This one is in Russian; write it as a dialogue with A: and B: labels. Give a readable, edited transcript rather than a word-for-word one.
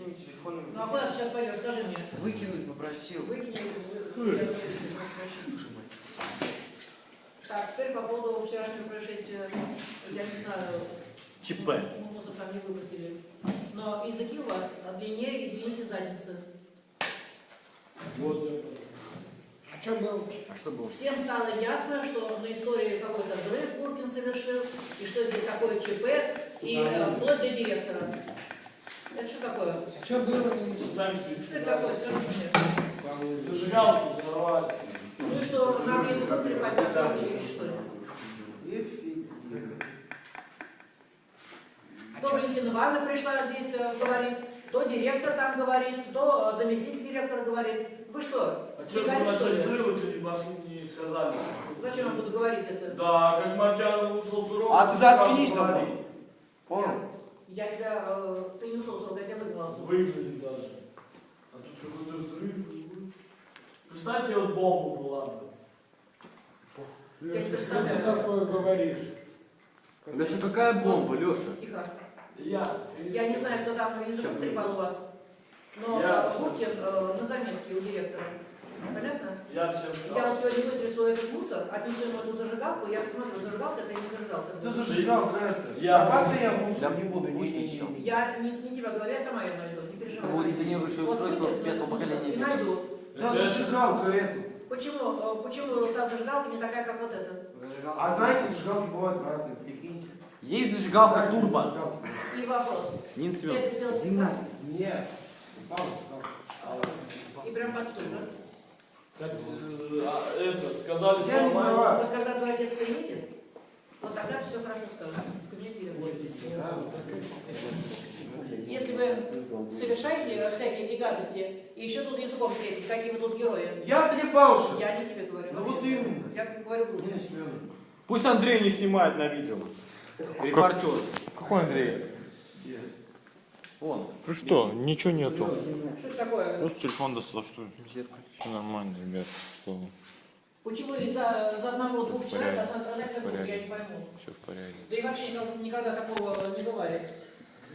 A: своими телефонами.
B: Ну а куда ты сейчас пойдешь, скажи мне?
A: Выкинуть попросил.
B: Выкинь. Так, теперь по поводу вчерашнего происшествия. Я не знаю,
C: ЧП.
B: мусор там не выбросили. Но языки у вас длиннее, извините, задницы.
D: Вот это.
A: А что было? А что было?
B: Всем стало ясно, что на истории какой-то взрыв Куркин совершил, и что здесь такое ЧП, и вплоть до директора. Это что такое?
D: А что было?
B: Что это такое? Скажите мне.
D: Зажигалку взорвали.
B: Ну и что, надо языком трепать на все училище, что ли? То Валентина Ивановна пришла здесь, говорит, то директор там говорит, то заместитель директора говорит. Вы что,
D: А что
B: фигарь, что ли?
D: не сказали?
B: Зачем я буду говорить это?
D: Да, как Мартьянов ушел с урока.
A: А ты заткнись там. Понял?
B: Я тебя, ты не ушел с урока, я тебя выгнала.
D: Выгнали даже. А тут какой-то взрыв. Представьте, вот бомба была бы.
B: Я не
E: Леша, что ты
B: представляю.
E: такое говоришь?
A: Леша, какая бомба, Леша?
B: Тихо.
D: Я
B: не знаю, кто там языком трепал у вас, но
D: Я.
B: Букин на заметке у директора. Понятно?
D: Я всем
B: Я
D: сказал.
B: вот сегодня вытрясу этот мусор, отнесу ему эту зажигалку, я посмотрю, зажигалка это или не зажигалка.
A: Да зажигалка это.
D: Я.
A: Давайте я мусор не буду ничего.
B: Я не тебя говорю, я сама ее найду, не переживай.
F: Вот генерирующее устройство
B: вытрясну
F: пятого
B: этот мусор
F: поколения.
B: и найду.
A: Да зажигалка эту.
B: Почему та зажигалка не такая, как вот эта?
A: А знаете, зажигалки бывают разные, прикиньте.
F: Есть зажигалка
A: Разные
F: турбо.
A: зажигалки.
B: И вопрос.
F: Нин
B: Ты
F: Семен.
B: это сделал специально?
A: Нет.
B: И прям под стул, да?
D: Как это, сказали,
A: Я не
D: нормально.
A: права.
B: Вот когда твой отец приедет, вот тогда ты все хорошо скажешь. В кабинете директора. Если вы совершаете всякие эти гадости, и еще тут языком трепите, какие вы тут герои.
A: Я трепался.
B: Я не тебе говорю.
A: Ну вот именно.
B: Я как говорю, буду.
A: Нина Семеновна.
C: Пусть Андрей не снимает на видео. Репортер.
G: Какой Андрей?
C: Он.
G: Ну что, ничего нету.
B: Что это такое?
G: Просто телефон достал, что ли? Все нормально, ребят. Что вы?
B: Почему из-за одного-двух человек
G: Порядок.
B: должна страдать вся группа, я не пойму.
G: Все в порядке.
B: Да и вообще никогда такого не бывает.